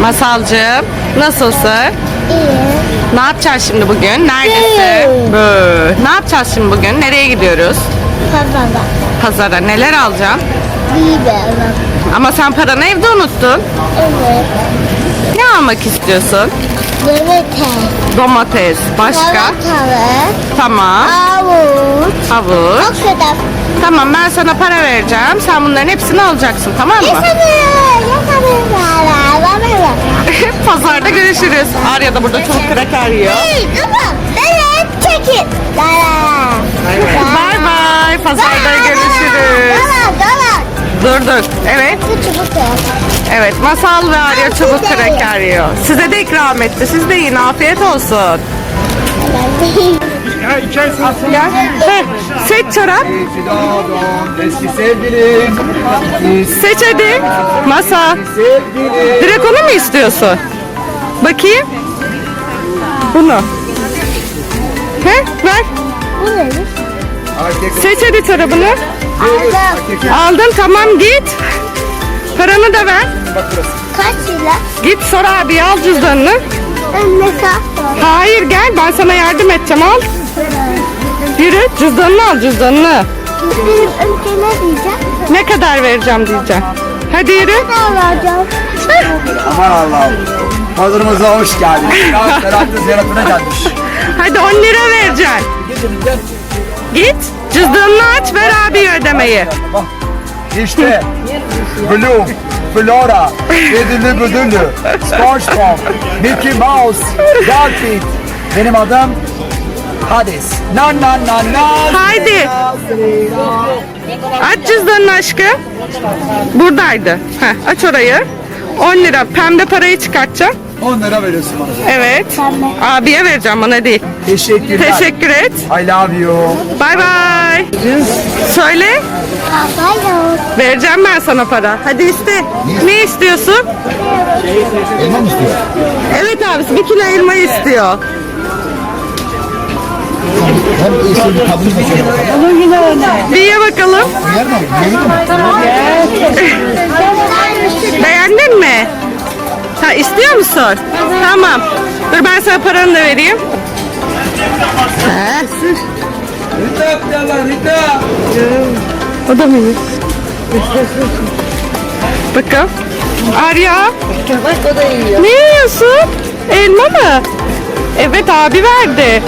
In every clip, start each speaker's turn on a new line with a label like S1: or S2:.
S1: Masalcığım, nasılsın?
S2: İyi.
S1: Ne yapacağız şimdi bugün? Neredesin? Ne yapacağız şimdi bugün? Nereye gidiyoruz?
S2: Pazara.
S1: Pazara. Neler alacaksın?
S2: Biber.
S1: Ama sen paranı evde unuttun.
S2: Evet.
S1: Ne almak istiyorsun?
S2: Domates.
S1: Domates. Başka?
S2: Salatalık.
S1: Tamam.
S2: Havuç.
S1: Havuç.
S2: O kadar.
S1: Tamam, ben sana para vereceğim. Sen bunların hepsini alacaksın, tamam mı? Pazarda görüşürüz. Arya da burada çok kraker yiyor.
S2: Hey, tamam. Evet, çekin.
S1: Bay bay. Pazarda görüşürüz. Dur. Evet. Evet, Masal ve Arya çubuk kraker yiyor. Size de ikram etti. Siz de yiyin. Afiyet olsun. Gel. Heh, seç çorap.
S3: Eski sevgilim.
S1: Seç hadi. Masa.
S3: Sevgilim.
S1: Direkt onu mu istiyorsun? Bakayım. Bunu. He, ver.
S2: Bu ne?
S1: Seç hadi çorabını.
S2: Aldım.
S1: Aldın, tamam, git. Paranı da ver.
S2: Kaç lira?
S1: Git sor abi, al cüzdanını.
S2: Ne kadar?
S1: Hayır, gel, ben sana yardım edeceğim, al. Yürü, cüzdanını al, cüzdanını.
S2: Benim önce ne diyeceğim?
S1: Ne kadar vereceğim diyeceğim. Hadi yürü.
S2: Ne alacağım?
S3: Aman Allah'ım. Pazarımıza hoş geldiniz. Ferhat'ın ziyaretine gelmiş.
S1: Hadi 10 lira vereceksin. Git, cüzdanını aç, ver abi ödemeyi.
S3: Bak. İşte. Bloom. Flora. Ödüllü büdüllü. SpongeBob. Mickey Mouse. Garfield. Benim adım Hades. Na.
S1: Haydi. Aç cüzdanını aşkım. Buradaydı. Heh, aç orayı. 10 lira. Pembe parayı çıkartacağım.
S3: 10 lira veriyorsun bana.
S1: Evet.
S2: Pembe.
S1: Abiye vereceğim, bana değil.
S3: Teşekkürler.
S1: Teşekkür et.
S3: I love you.
S1: Bay bay. Söyle.
S2: Hayır.
S1: Vereceğim ben sana para. Hadi iste. Ne istiyorsun?
S3: Elma mı istiyor?
S1: Evet abisi 1 kilo elma istiyor.
S3: Hem eşi bir kadın mı?
S1: Bir ye bakalım.
S3: Yer mi? Yer mi?
S1: Beğendin mi? Ha, istiyor musun? Tamam. Dur ben sana paranı da vereyim. O da mı? Bakalım. Arya.
S2: Bak o da yiyor.
S1: Ne yiyorsun? Elma mı? Evet, abi verdi.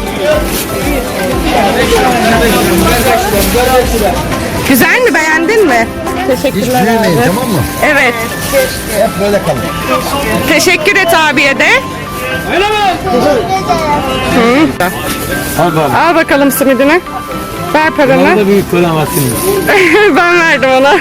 S1: Güzel mi? Beğendin mi? Teşekkürler abi.
S3: Tamam mı?
S1: Evet.
S3: Hep böyle kalın.
S1: Teşekkür et abiye de.
S4: Al bari.
S1: Al bakalım simidini. Ver paranı.
S4: Bana da büyük para var senin.
S1: Ben verdim ona.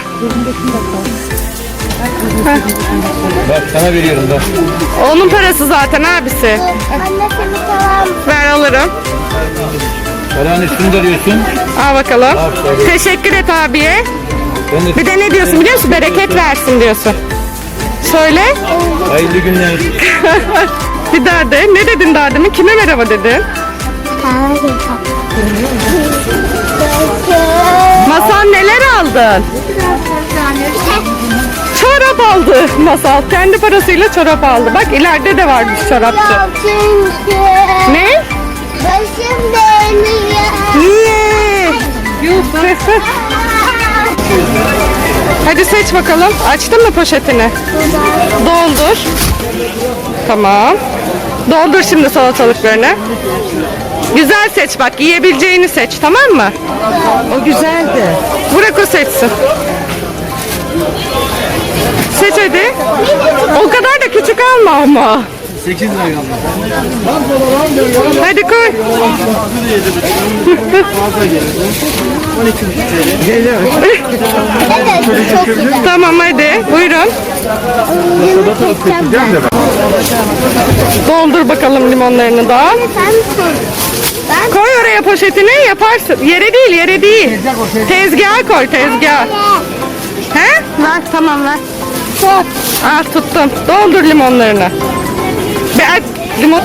S4: Bak sana veriyorum da.
S1: Onun parası zaten abisi.
S2: Anne seni selam.
S1: Ver, alırım.
S4: Paranın üstünü de diyorsun.
S1: Al bakalım.
S4: Aferin.
S1: Teşekkür et abiye.
S4: Ben de
S1: Bir de ne diyorsun biliyor musun? Bereket versin diyorsun. Söyle.
S4: hayırlı günler.
S1: Bir daha de. Ne dedin daha demin? Kime merhaba dedin?
S2: Hayır.
S1: Masal, neler aldın? Çorap aldı Masal. Kendi parasıyla çorap aldı. Bak ileride de varmış çorapçı.
S2: Çünkü
S1: Ne?
S2: başım dönüyor.
S1: Niye? Hadi seç bakalım. Açtın mı poşetini? Doldur. Tamam. Doldur şimdi salatalıklarını. Güzel seç bak. Yiyebileceğini seç, tamam mı? O güzeldi. Bırak o seçsin. Seç hadi. O kadar da küçük alma ama.
S4: 8 lira kaldı.
S1: Hadi koy.
S2: Evet, çok güzel.
S1: Tamam hadi. Buyurun. Doldur bakalım limonlarını da.
S2: Sen sor. Ben
S1: Koy oraya poşetini, yaparsın. Yere değil, yere değil. Tezgaha koy, tezgaha. He? Ver, tamam ver.
S2: sor.
S1: Ah, tuttum. Doldur limonlarını. Limon.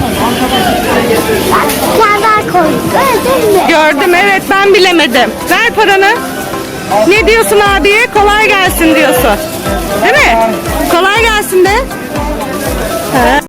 S2: Sen daha koy. Gördün mü?
S1: Gördüm, evet, ben bilemedim. Ver paranı. Ne diyorsun abiye? Kolay gelsin diyorsun. Değil mi? Kolay gelsin de. He.